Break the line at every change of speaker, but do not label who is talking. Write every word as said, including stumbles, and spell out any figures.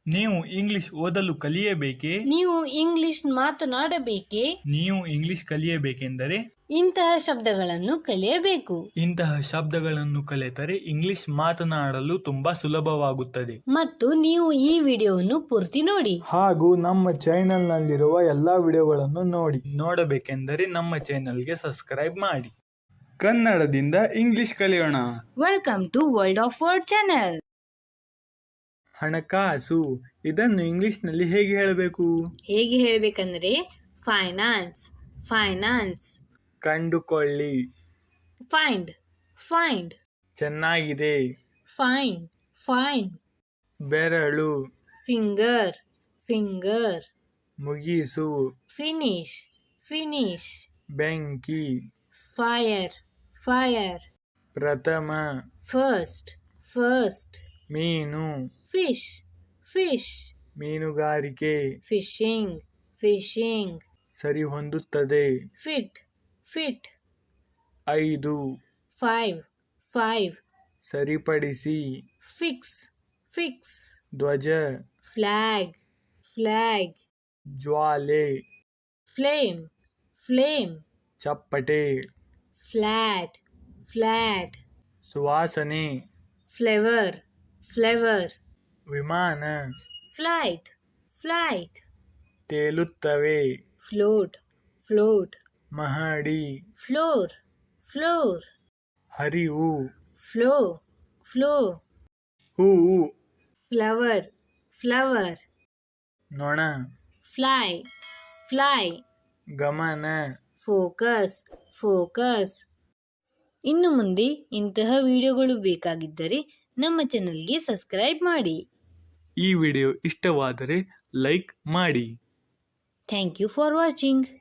ನೀವು ಇಂಗ್ಲಿಷ್ ಓದಲು ಕಲಿಯಬೇಕೇ?
ನೀವು ಇಂಗ್ಲಿಷ್ ಮಾತನಾಡಬೇಕೇ?
ನೀವು ಇಂಗ್ಲಿಷ್ ಕಲಿಯಬೇಕೆಂದರೆ
ಇಂತಹ ಶಬ್ದಗಳನ್ನು ಕಲಿಯಬೇಕು.
ಇಂತಹ ಶಬ್ದಗಳನ್ನು ಕಲಿತರೆ ಇಂಗ್ಲಿಷ್ ಮಾತನಾಡಲು ತುಂಬಾ ಸುಲಭವಾಗುತ್ತದೆ.
ಮತ್ತು ನೀವು ಈ ವಿಡಿಯೋವನ್ನು ಪೂರ್ತಿ ನೋಡಿ.
ಹಾಗೂ ನಮ್ಮ ಚಾನೆಲ್ ನಲ್ಲಿರುವ ಎಲ್ಲಾ ವಿಡಿಯೋಗಳನ್ನು ನೋಡಿ.
ನೋಡಬೇಕೆಂದರೆ ನಮ್ಮ ಚಾನೆಲ್ಗೆ ಸಬ್ಸ್ಕ್ರೈಬ್ ಮಾಡಿ. ಕನ್ನಡದಿಂದ ಇಂಗ್ಲಿಷ್ ಕಲಿಯೋಣ.
Welcome to world of word channel.
ಹಣಕಾಸು ಇದನ್ನು ಇಂಗ್ಲಿಷ್ನಲ್ಲಿ ಹೇಗೆ ಹೇಳಬೇಕು?
ಹೇಗೆ ಹೇಳಬೇಕಂದ್ರೆ ಫೈನಾನ್ಸ್, ಫೈನಾನ್ಸ್.
ಕಂಡುಕೊಳ್ಳಿ,
ಫೈಂಡ್, ಫೈಂಡ್.
ಚೆನ್ನಾಗಿದೆ,
ಫೈನ್, ಫೈನ್.
ಬೆರಳು,
ಫಿಂಗರ್, ಫಿಂಗರ್.
ಮುಗಿಸು,
ಫಿನಿಶ್, ಫಿನಿಶ್.
ಬೆಂಕಿ,
ಫೈರ್, ಫೈರ್.
ಪ್ರಥಮ,
ಫಸ್ಟ್, ಫಸ್ಟ್.
ಮೀನು,
ಫಿಶ್, ಫಿಶ್.
ಮೀನುಗಾರಿಕೆ,
ಫಿಶಿಂಗ್, ಫಿಶಿಂಗ್.
ಸರಿ ಹೊಂದುತ್ತದೆ.
Fit, fit.
ಐದು,
ಫೈವ್, ಫೈವ್.
ಸರಿಪಡಿಸಿ.
Fix, fix.
ಧ್ವಜ,
ಫ್ಲಾಗ್, ಫ್ಲಾಗ್.
ಜ್ವಾಲೆ,
ಫ್ಲೇಮ್, ಫ್ಲೇಮ್.
ಚಪ್ಪಟೆ,
ಫ್ಲಾಟ್, ಫ್ಲಾಟ್.
ಸುವಾಸನೆ,
ಫ್ಲೇವರ್, ಫ್ಲೇವರ್.
ವಿಮಾನ,
ಫ್ಲೈಟ್, ಫ್ಲೈಟ್.
ತೇಲುತ್ತವೆ.
Float, float.
ಮಹಡಿ,
ಫ್ಲೋರ್, ಫ್ಲೋರ್.
ಹರಿವು,
ಫ್ಲೋ, ಫ್ಲೋ.
ಹೂವು,
ಫ್ಲವರ್, ಫ್ಲವರ್.
ನೊಣ,
ಫ್ಲೈ, ಫ್ಲೈ.
ಗಮನ,
ಫೋಕಸ್, ಫೋಕಸ್. ಇನ್ನು ಮುಂದೆ ಇಂತಹ ವಿಡಿಯೋಗಳು ಬೇಕಾಗಿದ್ದರೆ ನಮ್ಮ ಚಾನೆಲ್ಗೆ ಸಬ್ಸ್ಕ್ರೈಬ್ ಮಾಡಿ.
ಈ ವಿಡಿಯೋ ಇಷ್ಟವಾದರೆ ಲೈಕ್ ಮಾಡಿ.
Thank you for watching.